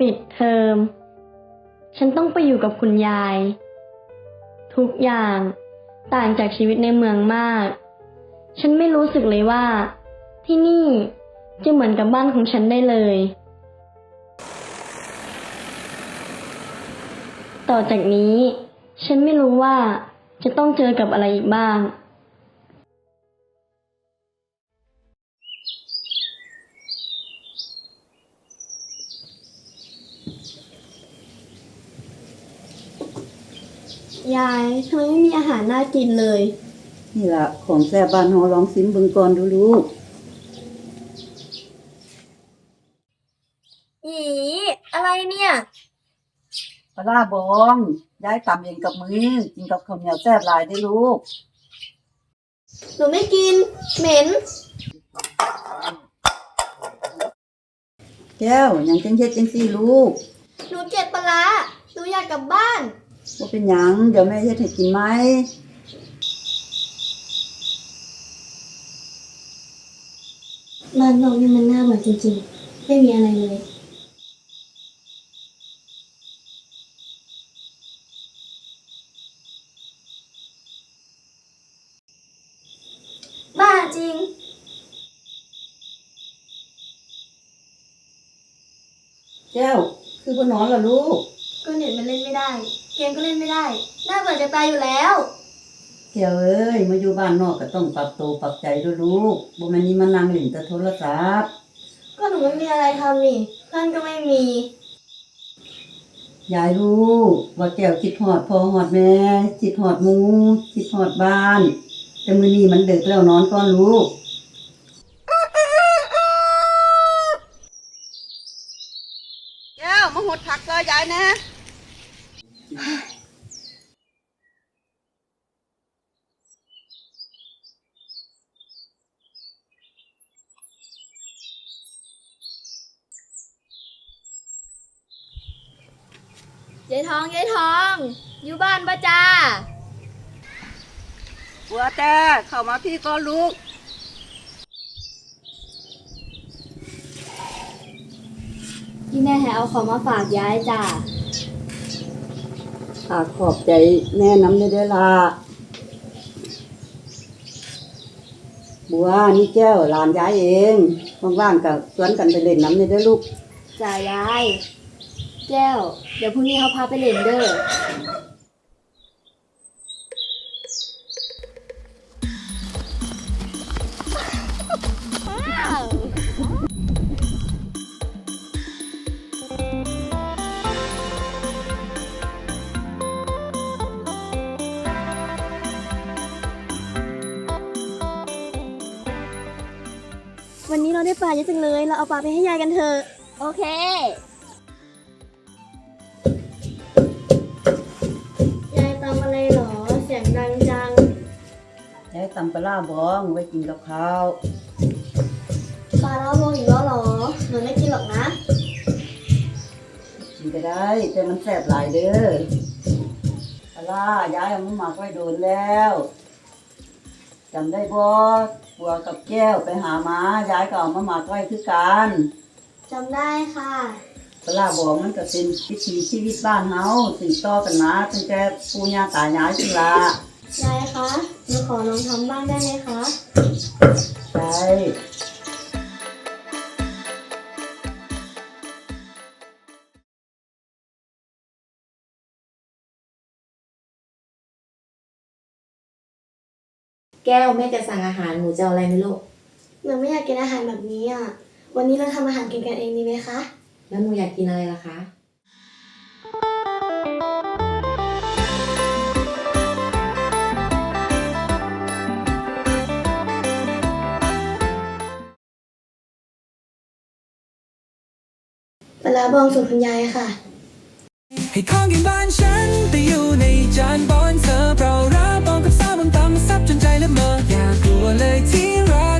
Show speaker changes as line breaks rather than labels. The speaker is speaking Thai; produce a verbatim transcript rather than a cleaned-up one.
ปิดเทอมฉันต้องไปอยู่กับคุณยายทุกอย่างต่างจากชีวิตในเมืองมากฉันไม่รู้สึกเลยว่าที่นี่จะเหมือนกับบ้านของฉันได้เลยต่อจากนี้ฉันไม่รู้ว่าจะต้องเจอกับอะไรอีกบ้างยายทำไมไม่มีอาหารน่ากินเลย
นี่ล่ะของแซ่บบ้านเฮาลองซิมเบิ่งก่อนดูลูก
อีอะไรเนี่ย
ปลาร้าบองยายตำเองกับมือกินกับข้าวเหนียวแซ่บหลายได้ลูก
หนูไม่กินเหม็น
แก้วยังจังเฮ็ดจังซี่ลูก
หนูเกลียดปลาร้าหนูอยากกลับบ้าน
บ่เป็นหยังเดี๋ยวแม่เฮ็ดให้กินไหม
บ้านนอกนี่มันน่าเบื่อจริงๆไม่มีอะไรเลยบ้าจริง
แก้วคือบ่นอนล่ะลูก
ก็เน็ตมันเล่นไม่ได้เกมก็เล่นไม่ได้น่าเบื่อจะตายอยู่แล้ว
แก้วเอ้ยมาอยู่บ้านนอกก็ต้องปรับตัวปรับใจด้วยลูกบ่แม่นนี่มานั่งเล่นแต่โทรศัพท์
ก็หนูไม่มีอะไรทำนี่เพื่อนก็ไม่มี
ยายรู้ว่าแก้วคิดฮอดพ่อฮอดแม่คิดฮอดหมู่คิดฮอดบ้านแต่มื้อนี้มันดึกแล้วนอนก่อนลูกแก้วมาหดผักซอยยายนะ
ยายทองยายทองอยู่บ้านปะจ้า
บัวแต่เข้ามาพี่ก็ลูก
ที่แม่ให้เอาของมาฝากยายจ้า
ข้าขอบใจแม่น้ำได้ด้วยล่ะบัวนี่แก้วหลานยายเองว่างๆกับชวนกันไปเล่นน้ำได้ด้วยลูก
จ้ายายแก้วเดี๋ยวพรุ่งนี้เขาพาไปเล่นเด้อวันนี้เราได้ปลาเยอะจังเลยเราเอาปลาไปให้ยายกันเถอะโอเคยายตำอะไรหรอเสียงดังจัง
ยายตำปลาบองไว้กินกับข้าว
ปลาเล่าโมอีกแล้วหรอหนูไม่กินหรอกนะ
กินก็ได้แต่มันแซ่บหลายเด้อปลายายเอามาหมักไว้โดนแล้วจำได้บ่บัวกับแก้วไปหาม้ายายก็เอามาหมักไว้คือกัน
จำได้ค่ะ
ปลาบองมันก็เป็นวิถีชีวิตบ้านเฮาสืบต่อกันมาตั้งแต่ปู่ย่าตายายสิล่ะ
ยายคะหนูขอลองทำบ้างได้ไหมคะ
ได้
แก้วแม่จะสั่งอาหารหนูจะเอาอะไรไหมลูก
หนูไม่อยากกินอาหารแบบนี้อ่ะวันนี้เราทำอาหารกินกันเองดีไหมคะ
แล้วหนูอยากกินอะไรล่ะคะ
ปลาบองสูตรคุณยายค่ะ
ให้ของกินบ้านฉันแต่อยู่ในจานบอนเสิร์ฟเรารับบองกับซาบบนตำซับจนใจละเมออย่ากลัวเลยที่รัก